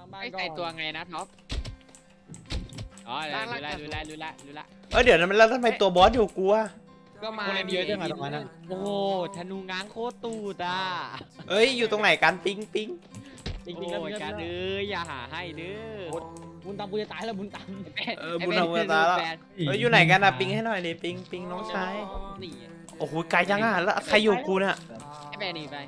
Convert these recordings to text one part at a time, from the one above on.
ไม่ใส่ตัวไงนะท็อปอ๋อรู้ละเดี๋ยวนั้นแล้วทำไมตัวบอสอยู่กูอะก็มาเยอะจังตรงนั้นโอ้ธนูง้างโคตรตูดอ่ะอยู่ตรงไหนกันปิงจริงๆแล้วการอย่าหาให้เด้อบุญตามกูจะตายแล้วบุญตามบุญเอาเวลาแล้วอยู่ไหนกันอะปิงให้หน่อยดิปิงน้องชายนี่โอ้โหไกลจังอะแล้วใครอยู่กูเนี่ยไอ้แบนี่ไป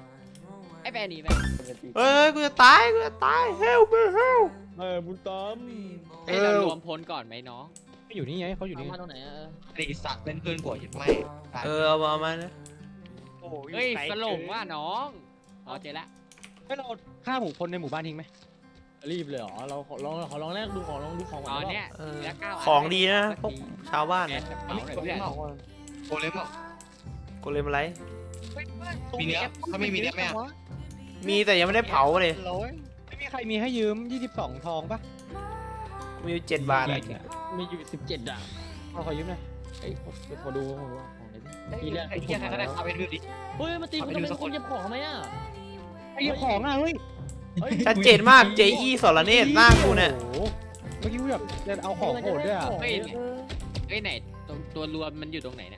กูจะตายhelp me help บุญตามเรารวมพลก่อนไหมน้องอยู่นี่ไงเขาอยู่นี่มาตรงไหนตีสักเป็นเพื่อนกว่ายังไม่เอามานะเฮ้ยสลงว่าน้องอ๋อเจอละให้เราฆ่าหมู่คนในหมู่บ้านทิ้งไหมรีบเลยเหรอเราขอลองแรกดูของลองดูของอ๋อเนี่ยของดีนะพวกชาวบ้านโกเลมเหรอโกเลมอะไรมีเนื้อเขาไม่มีเนื้อไหมอ่ะมีแต่ยังไม่ได้เผาเลยไม่มีใครมีให้ยืม22ทองปะมีอยู่7 บาทอะมีอยู่17อ่ะขอยืมหน่อยเฮ้ยขอดูของไหนดิไอ้เหี้ยใครก็ได้เอาไปดูดิเฮ้ยมาตีกูทำไมคุณเก็บของทำไมอ่ะไอ้เก็บของอ่ะเฮ้ยชัดเจนมาก J.E. สรเนตรหน้ากูเนี่ยเมื่อกี้กูแบบจะเอาของโหดด้วยอ่ะเฮ้ยไหนตัวรวมมันอยู่ตรงไหนเนี่ย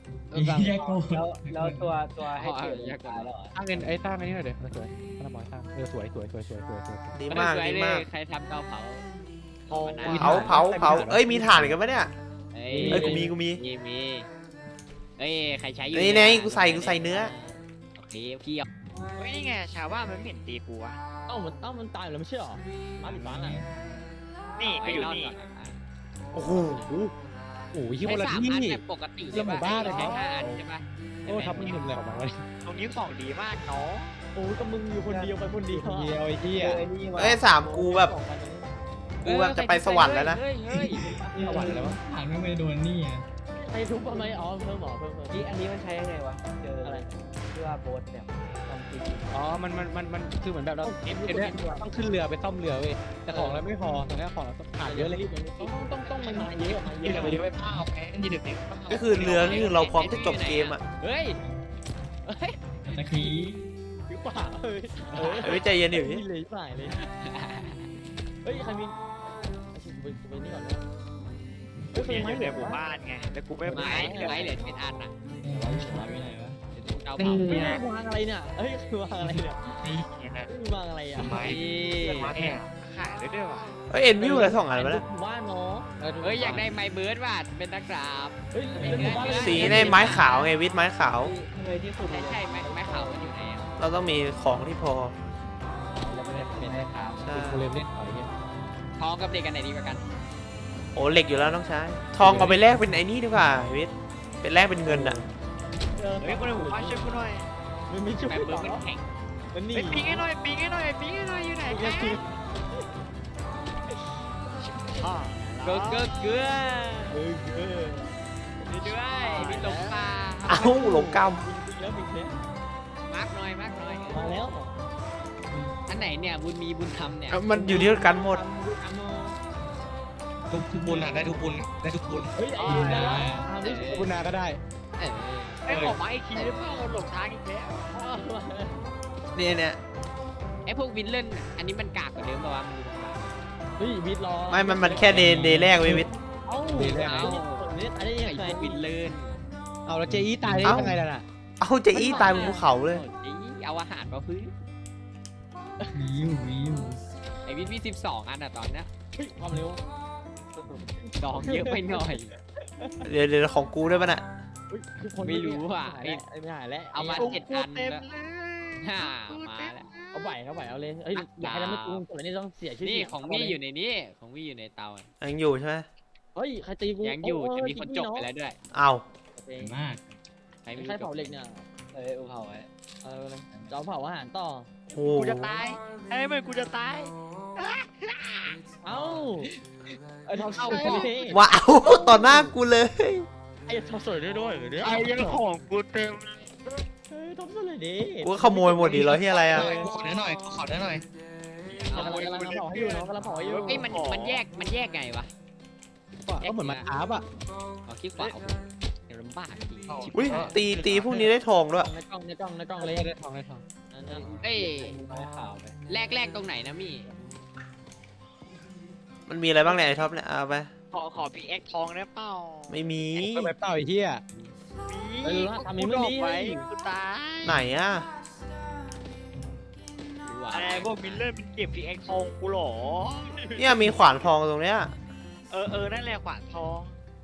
แล้วตัวให้เกียรติตายแล้วสร้างเงินสร้างอันนี้หน่อยเดี๋ยวสวยถ้าเราบอกสร้างสวยดีมากใครทำเตาเผาเผามีถ่านกันปะเนี่ยกูมีเอ้ยใครใช้อยู่นี่กูใส่เนื้อโอเคพี่เอาเฮ้ยนี่ไงชาวบ้านมันไม่เห็นตีกูอะมันตายแล้วไม่ใช่หรอบ้านหรือบ้านอ่ะนี่ก็อยู่นี่โอ้โหโอ้ยที่ใช้คนละ 3 ที่อันแบบปกติใช่5 อันใช่ปะโอ้ทับมันหนึ่งเลยออกมาเลยตรงนี้ของดีมากเนาะโอ้ก็มึงอยู่คนเดียวไปคนเดียวไอ้ที่ 3กูแบบจะไปสวรรค์แล้วนะเฮ้ยสวรรค์แล้วผ่านไม่ไปโดนนี่อ่ะไอ้ทุบทำไมอ๋อเพิ่มนี่อันนี้มันใช้ยังไงวะเจออะไรชื่อว่าโบ๊ทเนี่ยทำจริงอ๋อมันคือเหมือนแบบเราต้องขึ้นเรือไปซ่อมเรือเว้ยแต่ของเราไม่พอตอนนี้ของเราขาดเยอะเลยต้องมันมาเยอะยืนเดี๋ยวไปผ้าเอาแพ้ยืนเดี๋ยวก็คือเรือคือเราพร้อมจะจบเกมอ่ะเฮ้ยตะกี้หรือเปล่าไม่ใจเย็นดิเลยสายเลยเฮ้ยใครมีไปนี่ก่อนนะกูเห็นอยู่ในหมู่บ้านไงแต่กูไม่ไปไม้เหลือเป็นอันอ่ะไม่ไหนวะเตาเผาไม่ได้วางอะไรเนี่ยเฮ้ยวางอะไรเนี่ยนี่นะวางอะไรอ่ะไม้เนี่ยขายได้ด้วยว่ะเอ็นวิวอะไร2 อันมาแล้วบ้านเนาะเฮ้ยอยากได้ไม้เบิร์ดว่ะเป็นตะกราบเฮ้ยสีในไม้ขาวไงวิทไม้ขาวเลยที่สุดใช่ไม้ขาวมันอยู่ไหนอ่ะเราต้องมีของที่พอเราไม่ได้เป็นได้ครับเป็นโคเลมเล่นต่อยเนี่ยทองกับเด็กกันไหนดีกว่ากันโอ้เหล็กอยู่แล้วน้องชายทองเอาไปแลกเป็นไอ้นี่ดีกว่าวิทเป็นแลกเป็นเงินอ่ะเฮ้ยคนในหมู่บ้านช่วยกูหน่อยมันมีชุดไม้เบิร์ดมันแข็งมันนี่เฮ้ยปิงให้หน่อยอยู่ไหนแกอ๋อเกลือด้วยมีหลงป่าเอ้าหลงกรรมแล้วมีเนี่ยมากหน่อยมาแล้วอันไหนเนี่ยบุญมีบุญทำเนี่ยมันอยู่ที่กันหมดทุกบุญอ่ะได้ทุกบุญได้ทุกบุญเฮ้ยคุณนาก็ได้ไอ้ของไม้คีย์เพื่อนหลงทางอีกแล้วเนี่ยไอ้พวกวินเล่นอันนี้มันกากกว่าเดิมป่าวะมันดูตรงนั้นเฮ้ยวิทรอไม่มันแค่เดย์แรกเว้ยวิทเอ้าเนี่ยตายได้ยังไอ้พไงวกวินเล่นเอาแล้วเจอี้ตายได้ยังไงล่ะเอ้าจะอี้ตายบนภูเขาเลยเอาอาหารมาพื้นวิวไอ้วินมี12 อันอ่ะตอนเนี้ยความเร็วดองเยอะไปหน่อยเดี๋ยวของกูด้วยป่ะน่ะไม่รู้อ่ะไม่หายแล้วเอามา 7 อันเต็มแล้วเลยมาแล้วเอาไหวเอาเลยเฮ้ยอยากให้ไม่กูแต่นี่ต้องเสียชื่อนี่ของมี่อยู่ในนี้ของมี่อยู่ในเตายังอยู่ใช่ไหมเฮ้ยใครตีกูยังอยู่จะมีคนจบไปแล้วด้วยเอ้ามากใครไม่ใครรู้จเผาบเหล็กเนี่ยอูเผาไว้จะเผาอาหารต่อโอ้กูจะตายไอ้เมื่อกูจะตายเอ้าไอ้ทำสวยนี่ว้าวต่อหน้ากูเลยไอ้ทำสวยด้วยเนี่ยไอ้ยังของกูเต็มเฮ้ยทำสวยดิกูขโมยหมดดิเหรอที่อะไรอ่ะขอเนื้อหน่อยขอเนื้อหน่อยกำลังเผาให้อยู่เนาะกำลังเผาให้อยู่เอ้ยมันแยกไงวะก็เหมือนมันอาบอ่ะขอคลิกขวาเดี๋ยวลำบากจริงอุ้ยตีพวกนี้ได้ทองด้วยในกล้องเลยได้ทองเอ้ยไม้ขาวไปแรกตรงไหนนะมี่มันมีอะไรบ้างเนี่ยไอ้ท็อปเนี่ยเอาไปขอพีเอ็กทองได้เปล่าไม่มีก็ไปเปล่าไอ้เหี้ยมีเออทำนี้ไม่ดีกูดอกไว้กูตายไหนอะดูว่าอะไรพวกมิลเลอร์มันเก็บพีเอ็กทองกูเหรอเนี่ยมีขวานทองตรงเนี้ยนั่นแหละขวานทอง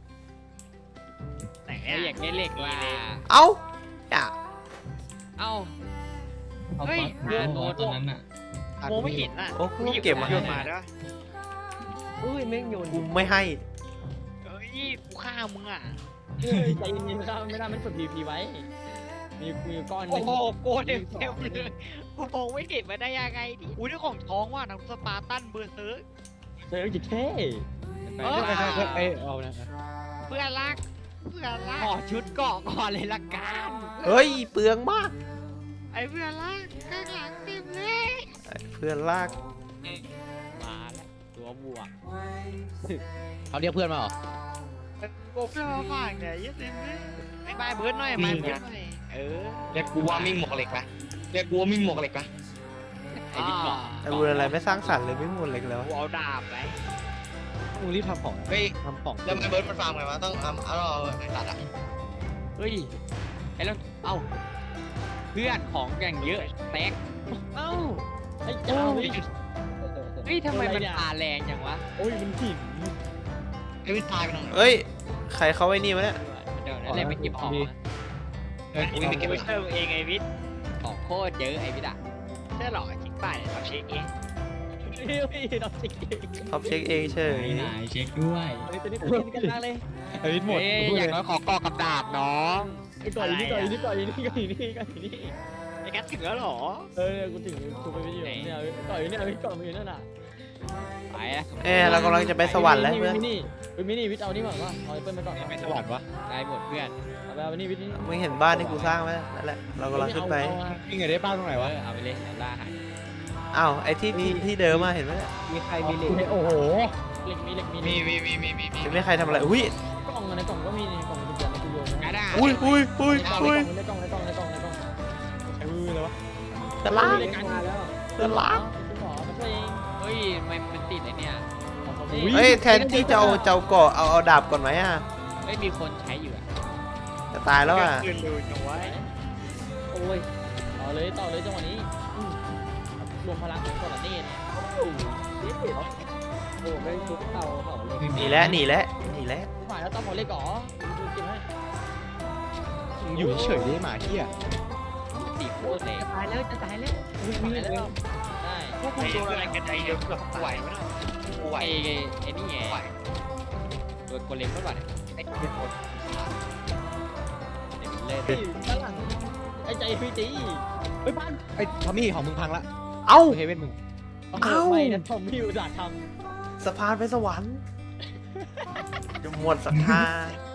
ไหนเฮ้ยอยากได้เหล็กว่ะเอ้าเนี่ยเอ้าเอาเฮ้ยฟอสตอนนั้นอ่ะมองไม่เห็นอ่ะโอ้กูเก็บมาโยให้นมาได้ปะอุ้ยแม่งโยนกูไม่ให้เฮ้ยกูฆ่ามึงอ่ะใจเย็นๆครับไม่ได้มันฝึก PVP ไว้มีก้อนโอ้โหโกเต็มเลยกูมองไม่เห็นมาได้ยังไงดิอุ้ยนี่ของท้องว่ะนักสปาร์ตันเบอร์เซิร์กเจอจิตเท่ไปเออไปเอานะเพื่อนรักขอชุดเกาะก่อนเลยละกันเฮ้ยเปลืองมากไอ้เพื่อนรักข้างหลังเต็มเลยไอ้เพื่อนลากมาแล้วตัวบวกเขาเรียกเพื่อนมาเหรอโกเพื่อนมาฝากเนี่ยเยอะเต็มเลยไอ้บายเบิร์ดหน่อยบายเบิร์ดหน่อยเรียกกูว่ามิ่งหมวกเหล็กปะเรียกกูว่ามิ่งหมวกเหล็กปะไอ้บิ๊กบอกไอ้บุญอะไรไม่สร้างสรรค์เลยไม่หมดเลยเลยวะกูเอาดาบไปมึงรีบทำของเฮ้ยทำของแล้วไอ้เบิร์ดมันฟาร์มไงวะต้องเอาไอ้ตัดอ่ะเฮ้ยไอ้แล้วเอ้าเพื่อนของอย่างเยอะแตกเอ้าไอ้เจ้าเฮ้ยทำไมมันปาแรงจังวะโอ้ยมันหินไอ้วิทตายไปหน่อยเฮ้ยใครเขาไอ้นี่วะเนี่ยเดี๋ยวนั่นแหละไปเก็บของมาเฮ้ยกูวิ่งไปเก็บไม่ไว้ใช่เองไอ้วิทย์ของโคตรเยอะไอ้บิ๊กอะใช่หรอจริงป่ะเนี่ยทำเช็คเองเฮ้ยดอกจิกท็อปเช็คเองเฉยไหนเช็คด้วยเฮ้ยตัวนี้กันมากเลยไอ้วิทหมดเอ้ยอย่างน้อยขอกอกับดาบน้องไอ้ก่อนนี่ก่อนนี่ก่อนนี่ก่อนนี่ก่อนนี่ไอ้กัสถึงแล้วหรอกูถึงกูไปอยู่เนี่ยก่อนนี่ก่อนอยู่นั่นน่ะไปอะเรากำลังจะไปสวรรค์แล้วเพื่อนมินี่วิทเอานี่ก่อนว่าเอาเปิ้ลไปก่อนไปสวรรค์วะได้หมดเพื่อนเอาไปนี่วิทนี่มึงเห็นบ้านที่กูสร้างไหมนั่นแหละเรากำลังขึ้นไปวิ่งไงได้ป้าตรงไหนวะเอาไปเลยเดี๋ยวล่าหายอ้าวไอ้ที่เดิมมาเห็นไหมเนี่ยมีใครมีเหล็กโอ้โหเหล็กมีเห็นไหมใครทำอะไรอุ้ยกล่องในกล่องก็มีในกล่องมันจะในกูโยนกระดาษอุ้ยอุ้ยอุ้ยอุ้ยในกล่องในกล่องในกล่องในกล่องใช้มือเลยวะตะลากในการมาแล้วตะลากคุณหมอมาช่วยเองเฮ้ยทำไมมันติดไอ้เนี่ยเฮ้ยแทนที่จะเอาเกาะเอาดาบก่อนไหมอ่ะไม่มีคนใช้อยู่อะจะตายแล้วอ่ะคืนดูจังไว้โอ้ยต่อเลยจังหวะนี้รวมพลังของคนละเนตโอ้ไม่ทุบเต่าเผาเลยหนีแล้วหนีแล้วหนีแล้วฝ่ายแล้วต้องหมดเลยก่อดูกินให้อยู่เฉยๆหมาเหี้ยติดโคตรเลยตายแล้วจะตายแล้ววิ่งแล้วได้พวกมึงโดนอะไรกันไอ้เดี๋ยวกับไหวไหมล่ะกูไหวไอ้นี่ไงโดนโกเลมก็บ่อยไอ้เหี้ยหมดเล่นด้านหลังไอ้ใจพี่จีเฮ้ยพันไอ้ทอมมี่ของมึงพังละเอ้าเฮเว่นมึงไม่นะทอมพี่อุตส่าห์ทสะพานไปสวรรค์จะหมดศรัทธา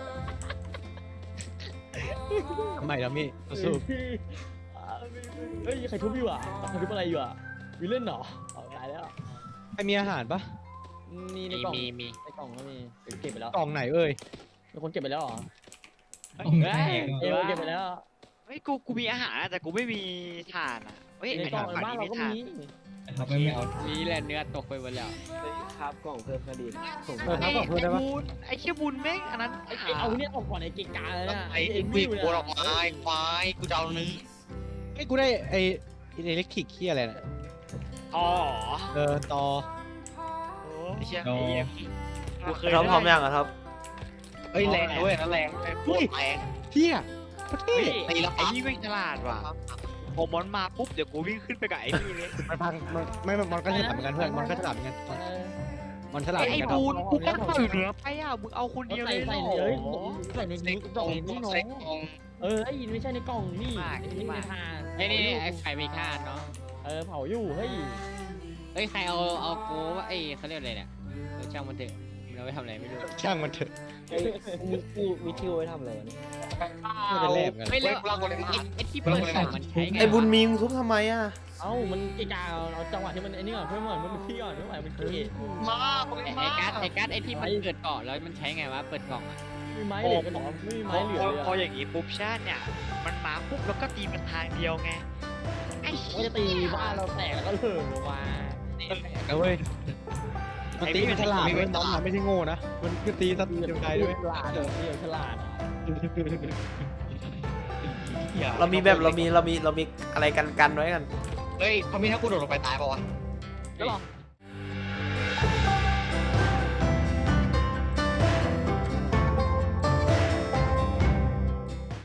ทำไมทอมมี่ำสู้เฮ้ยใครทุบอยู่อ่ะใครทุบอะไรอยู่อ่ะวิลเล่นเหรอตายแล้วไอ้มีอาหารปะมีในกล่องมีในกล่องก็มีเก็บไปแล้วกล่องไหนเอ้ยมีคนเก็บไปแล้วเหรอเฮ้ยเอวเก็บไปแล้วเฮ้ยกูมีอาหารแต่กูไม่มีถ่านอ่ะเฮ้ยในไอ้กล่ถ่าอน งฝั่งบ้านนี้เรามีก็ถ่านมีเขาไม่เอานี่แหละเนื้อตกไปหมดแล้วครับกล่องเพิ่มคดีส่งเออครับผมพูดได้ปะบุญไอ้เชี่ยบุญแม่งอันนั้นไอ้เอาเนี่ยออกก่อนไอ้เกกาเลยนะไอ้วิ่งโกนออกมาไอ้ควายกูจะเอานึงไอ้กูได้ไอ้อิเล็กทริกเหี้ยอะไรน่ะอ๋อต่อไอ้เชี่ยโดกูเคยท็อปพร้อมยังอ่ะท็อปเอ้ยแรงด้วยนะแรงโคตรแรงเหี้ยประเทศตีแล้วไอ้ปั๊บนี่แม่งฉลาดว่ะพอมอนมาปุ๊บเดี๋ยวกูวิ่งขึ้นไปกับไอ้นี่เลยมันพังมันก็ฉลาดเหมือนกันเพื่อนมันก็ฉลาดเหมือนกันมันฉลาดเหมืไอ้อนกันบูนกูก็ต่อยเหนือไปอ่ะมึงเอาคนเดียวเลยใส่เหรเลยอใส่ในนี้กล่องนี่น้องเซ็กกองไอ้ไม่ใช่ในกล่องนี่ในทานไอ้นี่ไอ้ไฟมีค่าเนาะเผาอยู่เฮ้ยเฮ้ยใครเอาโก้ว่าไอ้เขาเรียกอะไรเนี่ยช่างมันเถอะมันเอาไปทำอะไรไม่รู้ช่างมันเถอะมีทิวไว้ทำอะไรวะเนี่ยไม่เป็นแลบกันไม่แล้วไอ้ที่เปิดกล่องมันใช้ไงไอ้บุญมีมึงทุบทำไมอ่ะเอ้ามันเกกาเอาจังหวะที่มันไอ้นี่ก่อนเพื่อนมันพี่ก่อนไม่ไหวมันเกะมาไอ้การ์ดไอ้ที่มันเปิดเกาะแล้วมันใช้ไงวะเปิดกล่องอะมีไม้เหลือกันหรอไม่มีไม้เหลือเลยพออย่างงี้ปุ๊บชาติเนี่ยมันมาปุ๊บแล้วก็ตีเป็นทางเดียวไงไอ้มันจะตีบ้านเราแตกแล้วก็เลิกว่าแล้วเว้ยมันตีมันฉลาดด้วยน้องมันไม่ใช่โง่นะมันคือตีสัตว์เดียวใจด้วยฉลาดเลยพี่ฉลาดเรามีอะไรกันไว้กันเฮ้ยเขามีถ้ากูโดดลงไปตายป่าวะก็หรอ